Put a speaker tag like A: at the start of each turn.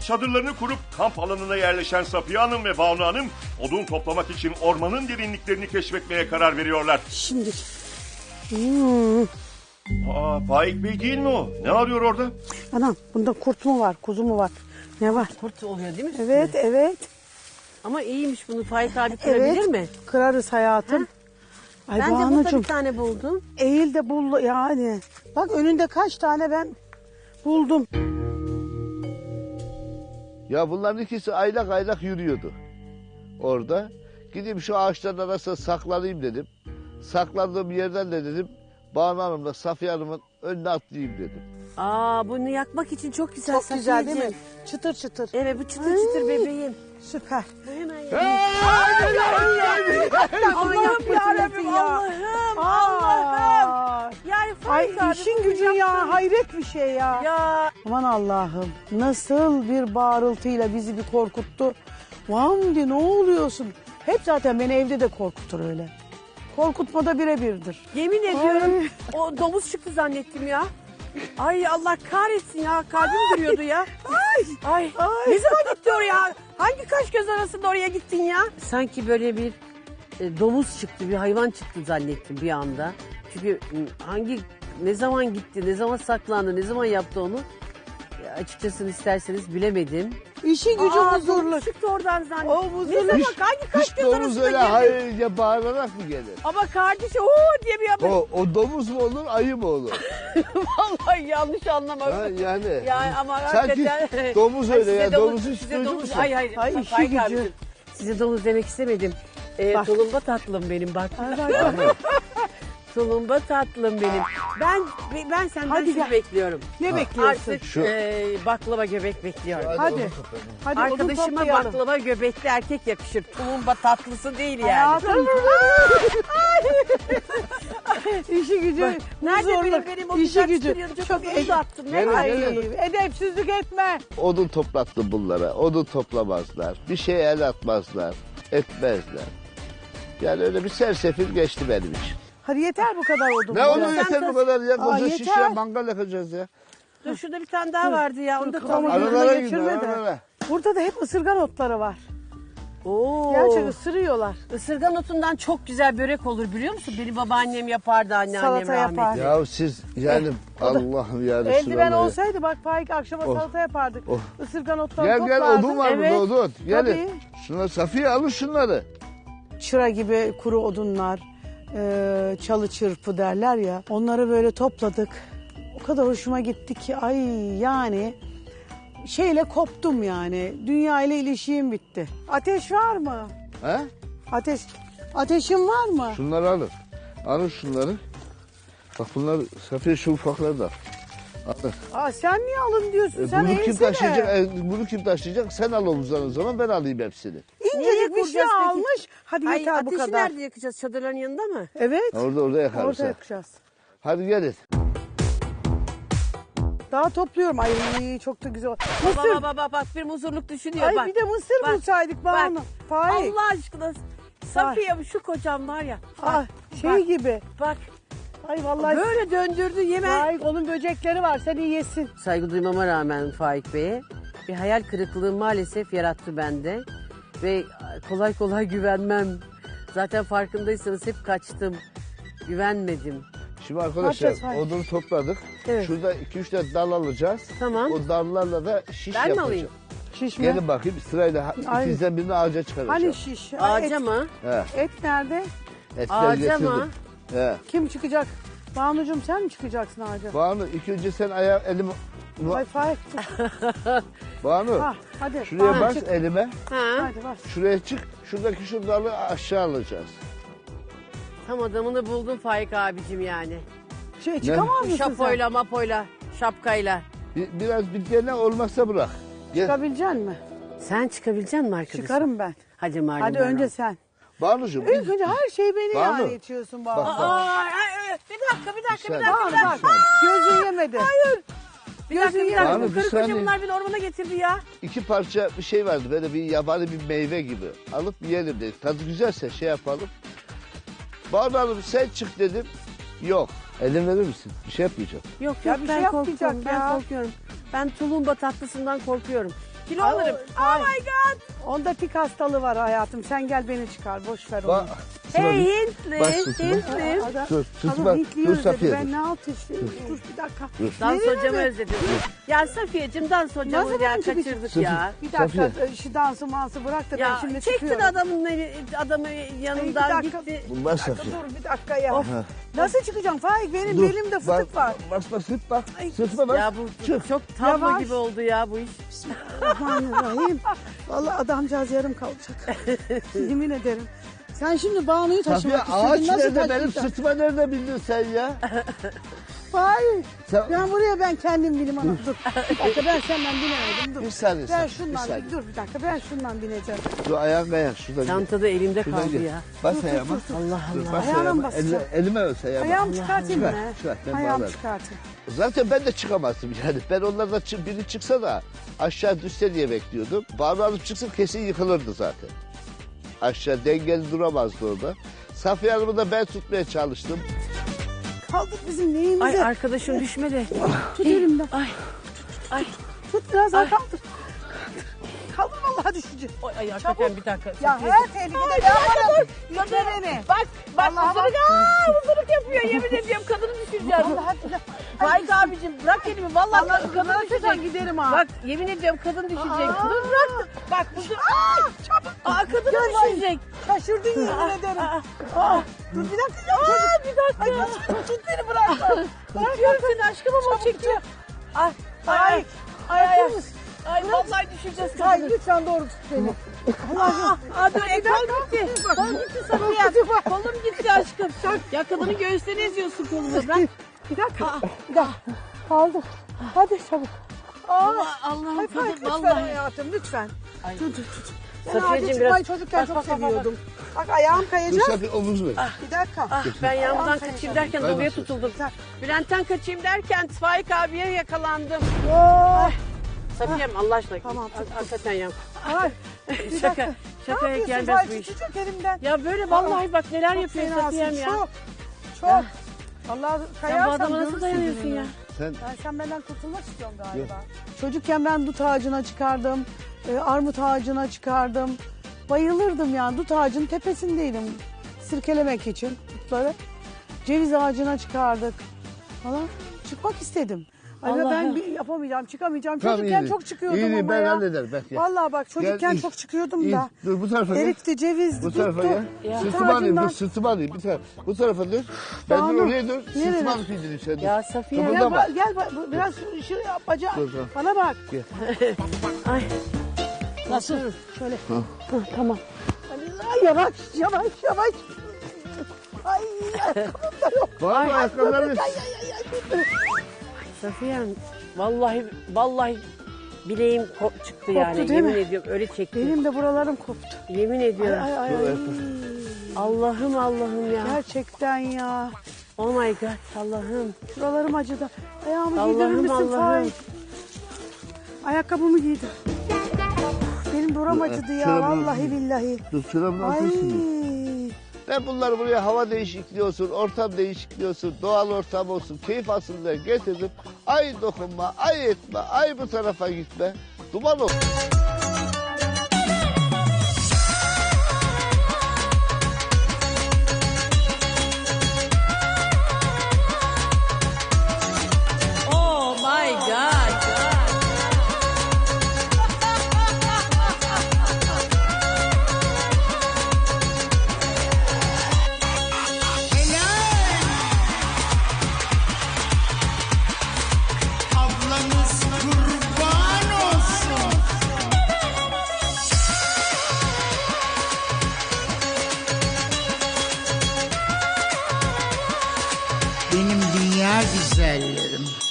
A: Çadırlarını kurup kamp alanına yerleşen Safiye Hanım ve Banu Hanım odun toplamak için ormanın derinliklerini keşfetmeye karar veriyorlar.
B: Şimdi.
A: Faik Bey değil mi o? Ne arıyor orada?
B: Anam bunda kurt mu var, kuzu mu var? Ne var?
C: Kurt oluyor değil mi?
B: Evet, evet.
C: Ama iyiymiş, bunu Faik abi kırabilir mi?
B: Kırarız hayatım. Ay
C: Bence burada
B: Banucuğum,
C: bir tane buldum.
B: eğil de bul yani. Bak önünde kaç tane ben buldum.
D: Ya bunların ikisi aylak aylak yürüyordu orada. Gideyim şu ağaçların arasına saklanayım dedim. Saklandığım yerden de dedim Banu Hanım'la Safiye Hanım'ın önüne atlayayım dedim.
C: Bunu yakmak için çok güzel.
B: Çok güzel değil mi?
C: Safiyeciğim.
B: Çıtır çıtır.
C: Evet, bu çıtır çıtır bebeğim.
B: Süper.
C: Bu hemen
B: Allah'ım yarabbim ya.
C: Allah'ım. Yani
B: Ay
C: Faik abi,
B: işin
C: bunu
B: gücün ya,
C: yaptın.
B: hayret bir şey ya.
C: Ya
B: Aman Allah'ım, nasıl bir bağırıltıyla bizi bir korkuttu. Vamdi ne oluyorsun? Hep zaten beni evde de korkutur öyle. Korkutmada birebirdir.
C: yemin ediyorum o domuz çıktı zannettim ya. Ay Allah kahretsin ya, kalbim duruyordu ya. Ay. Ne zaman gitti oraya? Hangi kaş göz arasında oraya gittin ya? Sanki böyle bir domuz çıktı, bir hayvan çıktı zannettim bir anda. Çünkü ne zaman gitti, ne zaman saklandı, ne zaman yaptı onu? Açıkçası isterseniz bilemedim.
B: İşi gücü huzurlu.
C: Domuz çıktı oradan zannettim.
B: O huzurlu.
C: Ne zaman, hangi kaş
D: Hiç
C: göz
D: domuz
C: arasında
D: öyle
C: girdi?
D: hayırca bağırarak mı gelir?
C: Ama kardeşi diye bir haber.
D: O domuz mu olur, ayı mı olur?
C: Vallahi yanlış anlama.
D: Ha, yani.
C: Yani ama
D: Sanki
C: hakikaten.
D: domuz
C: Ay,
D: öyle
C: size
D: ya,
C: domuz-
D: domuzu
C: size
D: istiyorsun
C: domuz-
D: musun?
C: Hayır.
B: Ay, işi
C: Faik
B: gücü.
C: abicim, size domuz demek istemedim.
B: Bak.
C: Tulumba tatlım benim bak.
D: Yani.
C: Tulumba tatlım benim. Ben senden
B: Hadi
C: şunu
B: gel.
C: bekliyorum.
B: Ne bekliyorsun?
C: Artık
D: Şu-
C: baklava göbek bekliyorum.
B: Hadi. Hadi odun
C: Arkadaşıma
B: toplayalım.
C: baklava göbekli erkek yakışır. Tulumba tatlısı değil yani.
B: Hayatım. İşi gücü.
C: Nerede
B: huzurlu.
C: benim o
B: İşi
C: güzel
B: gücü.
C: çıtırıyordum,
B: Çok
C: çok uzattım. Ne
D: Gelin,
C: var?
D: gelin.
B: Edepsizlik etme.
D: Odun toplattım bunlara. Odun toplamazlar. Bir şey el atmazlar. Etmezler. Yani öyle bir sersefil geçti benim için.
B: Hadi yeter bu kadar odun.
D: Ne olur
B: Biraz.
D: yeter bu kadar ya. Koca şiş
B: yeter.
D: ya, mangal yakacağız ya.
C: Dur şurada bir tane daha vardı ya. Onu da
B: Kafamı
C: tamam.
B: gözüme
D: Aralara
B: geçirme
D: gidiyor,
B: de.
D: aralara.
B: Burada da hep ısırgan otları var.
C: Oo.
B: Gerçekten ısırıyorlar.
C: Isırgan otundan çok güzel börek olur biliyor musun? Benim babaannem yapardı, anneannem
B: Salata
C: rahmetli.
B: yapar.
D: Ya siz yani Allah'ım ya
B: Eldiven
D: Resulallah.
B: olsaydı bak Faik akşama
D: Oh.
B: salata yapardık.
D: Oh.
B: Isırgan otları
D: Gel gel
B: toplardık.
D: odun var
C: Evet.
D: burada odun. Gelin.
B: Tabii.
D: Şunları Safiye alın şunları.
B: Çıra gibi kuru odunlar, çalı çırpı derler ya. Onları böyle topladık. O kadar hoşuma gitti ki ay yani şeyle koptum yani. Dünya ile ilişiğim bitti. Ateş var mı?
D: He?
B: Ateşin var mı?
D: Şunları alın. Alın şunları. Bak bunlar Safiye şu ufakları da. Alın.
B: Aa, sen niye alın diyorsun? Sen
D: Bunu kim
B: eğilsene.
D: taşıyacak? Bunu kim taşıyacak? Sen al omuzdan o zaman ben alayım hepsini.
B: İncecik
C: Nereye
B: bir şey
C: kuracağız peki?
B: almış. Hadi
C: Ay,
B: yeter bu
C: ateşi
B: kadar.
C: nerede yakacağız? Çadırların yanında mı?
B: Evet.
D: Orada yakarız.
B: Orada
D: ha.
B: yakacağız.
D: Hadi gelin.
B: Daha topluyorum. Ay çok da güzel. Mısır.
C: Bak bir muzurluk düşünüyor
B: Ay
C: bak.
B: bir de mısır
C: Bak,
B: bulsaydık
C: bak.
B: Banu. Faik.
C: Allah aşkına. Safiye şu kocam var ya. Bak,
B: Ah, şey
C: bak,
B: gibi.
C: Bak
B: Ay vallahi.
C: böyle döndürdü yeme.
B: Faik onun böcekleri var. Sen iyi yesin.
C: Saygı duymama rağmen Faik Bey'e bir hayal kırıklığı maalesef yarattı bende. Ve kolay kolay güvenmem. Zaten farkındaysanız hep kaçtım. Güvenmedim.
D: Şimdi arkadaşlar
B: yapacağız, hayır?
D: odunu topladık.
B: Evet.
D: Şurada 2-3 tane dal alacağız.
C: Tamam.
D: O dallarla da şiş
C: Ben mi
D: yapacağız.
C: alayım?
B: Şiş mi?
D: Gelin bakayım sırayla
B: Ay.
D: ikinizden birini ağaca çıkaracağım.
B: Hani şiş? Ay,
C: Ağaca mı?
D: He,
B: Et nerede?
D: etleri
C: Ağaca
D: getirdim.
C: mı?
D: He.
B: Kim çıkacak? Banucuğum sen mi çıkacaksın ağaca?
D: Banu ilk önce sen elimi...
B: Ay Faik.
D: Banu
B: Ha, hadi.
D: şuraya
B: Banu,
D: bas
B: çık.
D: elime.
C: Ha.
B: Hadi bas.
D: Şuraya çık. Şuradaki şu dalı aşağı alacağız.
C: Tam adamını buldun Faik abicim yani.
B: Çıkamaz mısın sen?
C: Şapoyla mapoyla şapkayla.
D: Biraz bir dene olmazsa bırak. Gel.
B: Çıkabilecek misin?
C: Sen çıkabilecek misin arkadaşım?
B: Çıkarım ben.
C: Hadi Marlon.
B: Hadi
C: ben
B: önce
C: al.
B: sen.
D: Banucuğum.
B: İlk önce her şeyi beni
D: Banu.
B: yani itiyorsun Banu.
D: Bak, bak.
C: Ay, bir dakika.
D: Bak,
B: Bak gözün yemedi. Hayır.
C: Bir dakika.
D: Banu, bir
C: Karı
D: saniye.
C: koca bunlar beni ormana getirdi ya.
D: 2 parça bir şey vardı böyle bir yabani bir meyve gibi. Alıp yiyelim dedik. Tadı güzelse şey yapalım. Banu Hanım sen çık dedim. Yok. Elin verir misin? Bir şey yapmayacağım.
C: Yok
B: Ya bir
C: ben
B: şey
C: korkuyorum.
B: yapmayacak ya.
C: Ben korkuyorum. Ben tulumba tatlısından korkuyorum. Kilo
B: Ay,
C: alırım.
B: ay.
C: Oh my god.
B: Onda pik hastalığı var hayatım. Sen gel beni çıkar. Boş ver onu.
D: Bak,
C: Hey Hintli.
D: Bak Sıtma.
C: Hintli.
B: Adam,
D: Dur,
B: adam
D: Sıtma,
B: Hintli'yi
D: dur
B: özledi.
D: Safiye.
B: Ben ne yapayım? Dur bir dakika.
C: Dans
B: Nereye
C: hocamı
B: mi?
C: özledim. Ya Safiyeciğim dans hocamı
B: Nasıl
C: ya
B: ben çıkacağım?
C: kaçırdık ya.
B: Bir dakika
D: Safiye.
B: şu dansı mansı bırak da ben
C: Ya
B: şimdi
C: çektin
B: çıkıyorum.
C: adamı yanından
B: Ay, bir dakika.
C: gitti.
D: Bunlar Safiye.
B: Dur bir dakika ya.
C: Of.
B: Nasıl çıkacağım Faik? Benim
D: Dur,
B: belimde fıtık var.
D: Basma sırtma.
B: Ay,
D: Sırtma bak.
C: Ya bu
D: Çık.
C: çok tablo
B: Yavaş.
C: gibi oldu ya bu iş.
B: Bismillahirrahmanirrahim. Vallahi adamcağız yarım kalacak. Yemin ederim. Sen şimdi Banu'yu
D: Safiye
B: taşımak
D: ağaç
B: istedin. Nasıl
D: nerede, benim
B: taşıyacaksın?
D: sırtıma nerede bildin sen ya?
B: Faik.
D: Sen...
B: Ben buraya ben kendim bilim anam. Dur. Bir dakika ben senden binemedim. Dur.
D: Bir saniye,
B: Ben
D: bir
B: şundan
D: saniye.
B: dur bir dakika ben şundan bineceğim.
D: Dur ayağın kayak şuradan.
C: Çantada elimde
D: Şuradan
C: kaldı
D: gel.
C: ya.
D: Bas ayağıma.
C: Allah
D: Dur,
C: Allah.
D: bas
B: Ayağına
D: ayağıma.
B: mı basacağım?
D: Elime ös ayağıma.
B: Ayağımı çıkartayım mı?
D: Çıkar, çıkar, ben
B: Ayağımı
D: bağlarım.
B: çıkartayım.
D: Zaten ben de çıkamazdım yani. Ben onlardan biri çıksa da aşağı düşse diye bekliyordum. Banu Hanım çıksın kesin yıkılırdı zaten. Aşağı dengeli duramazdı orada. Safiye Hanım'ı da ben tutmaya çalıştım.
B: Kaldır bizim neyimizi.
C: Ay arkadaşım düşmedi.
B: Tut elimden.
C: Ay. Ay.
B: Tut biraz daha
C: Ay.
B: kaldır. Kaldır vallahi düşeceğim.
C: Ay, ay hakikaten bir dakika.
B: Ya her tehlikede ne yaparım? Yürü beni.
C: Bak
B: Vallahi
C: ısırık ısırık yapıyor yemin ediyorum kadını düşüreceğim. Faik abicim bırak elimi vallahi kadını düşecek.
B: giderim ha.
C: Bak yemin ediyorum kadın düşecek.
B: Aa.
C: Dur bırak. Bak bu
B: çabuk.
C: Aa kadını
B: Gel
C: düşecek.
B: Şaşırdın yemin ederim. Dur bir dakika ya.
C: Bir dakika.
B: Ay, tut beni bırakma.
C: Tutuyorum seni aşkım ama o çekiyor. Ay
B: Ay.
C: ay
B: Ay.
C: ay vallahi düşeceğiz
B: Ay
C: kadını.
B: lütfen doğru tut beni.
C: Aa dur kol gitti. Kol gitti Safiye. Kolum gitti aşkım. Ya kadının göğüslerini eziyorsun kolunu. Bırak.
B: Bir dakika. Bir dakika. Kaldır. Hadi çabuk.
C: Allah'ım
B: Ay
C: kadın
B: lütfen
C: vallahi.
B: hayatım lütfen.
C: Ay.
B: Dur tut. Ben
C: Safiyeciğim
B: ağaca
C: biraz-
B: çıkmayı çocukken
C: Bak,
B: çok
C: bak, bak, bak.
B: seviyordum. Bak ayağım
D: Dur
B: kayacak.
D: Safiye omuz ver.
B: Bir dakika.
C: Ah ben yanımdan
B: Ayağım
C: kaçayım
B: kayacak.
C: derken
D: Kaymasın.
C: doluya tutuldum. Bülent'ten kaçayım derken Faik abiye yakalandım.
B: Oh.
C: Safiyem Allah aşkına.
B: Tamam, tut, tut.
C: Hakikaten ya.
B: Ay. Bir
C: Şaka.
B: dakika.
C: Şakaya
B: Ne yapıyorsun?
C: gelmez bu
B: Vay,
C: iş.
B: tutacak elimden.
C: Ya böyle vallahi bak neler
B: Çok
C: yapıyor
B: fenasın,
C: Safiyem ya.
B: Çok. Çok. Allah
C: Sen bu
B: kayarsam
C: adama nasıl
B: görürsün
C: dayanıyorsun
B: gününü.
C: ya?
D: Sen
B: Sen benden kurtulmak istiyorsun galiba. Çocukken ben dut ağacına çıkardım. Armut ağacına çıkardım. Bayılırdım yani. Dut ağacının tepesindeydim. Sirkelemek için dutları. Ceviz ağacına çıkardık falan. Çıkmak istedim. Ay
C: Allah'ım.
B: ben yapamayacağım, çıkamayacağım.
D: Tamam,
B: Çocukken
D: iyi.
B: çok çıkıyordum
D: İyi,
B: ama
D: ben
B: ya.
D: hallederim, bak ya.
B: Vallahi bak çocukken
D: Gel,
B: çok çıkıyordum
D: İyi.
B: da.
D: Dur bu tarafa gel.
B: Erikti, cevizdi,
D: Bu tarafa
B: duttu.
D: gel.
C: Ya.
D: Sırtıma alayım, dur
B: Ağacından-
D: sırtıma alayım. Bir tarafa. Bu tarafa dur. Ben dur
B: Banu,
D: oraya dur.
B: nereye?
D: Sırtıma alıp indireyim sen. dur.
C: Ya Safiye.
B: Gel,
D: Kıpırdama.
B: gel biraz şuraya bacağı.
D: Dur, dur.
B: Bana bak.
C: Ay.
B: Nasıl? Şöyle.
C: Tamam.
B: Ay, yavaş, yavaş, yavaş. Ay, ayakkabım da yok.
D: Var mı ayakkabılarınız?
C: Safiyem vallahi bileğim çıktı yani.
B: değil
C: Yemin
B: mi?
C: ediyorum öyle çekti.
B: Benim de buralarım koptu.
C: Yemin ediyorum.
B: Ay, ay,
D: Dur,
B: ay.
D: ayakkabı.
C: Allah'ım ya.
B: Gerçekten ya.
C: Oh my god Allah'ım.
B: Şuralarım acıdı. Ayağımı
C: Allah'ım,
B: giydirir misin
C: Allah'ım.
B: Faik? Ayakkabımı giydim. Benim buram acıdı ya.
D: çorabını-
B: Vallahi billahi.
D: Dur çorabını
B: Ay.
D: atıyorsun. Ben bunları buraya hava değişikliği olsun, ortam değişikliği olsun, doğal ortam olsun, keyif alsın diye getirdim. Ay dokunma, ay etme, ay bu tarafa gitme. Duman ol.
C: Oh my god.
E: Ablanız kurban olsun. Benim dünya güzellerim.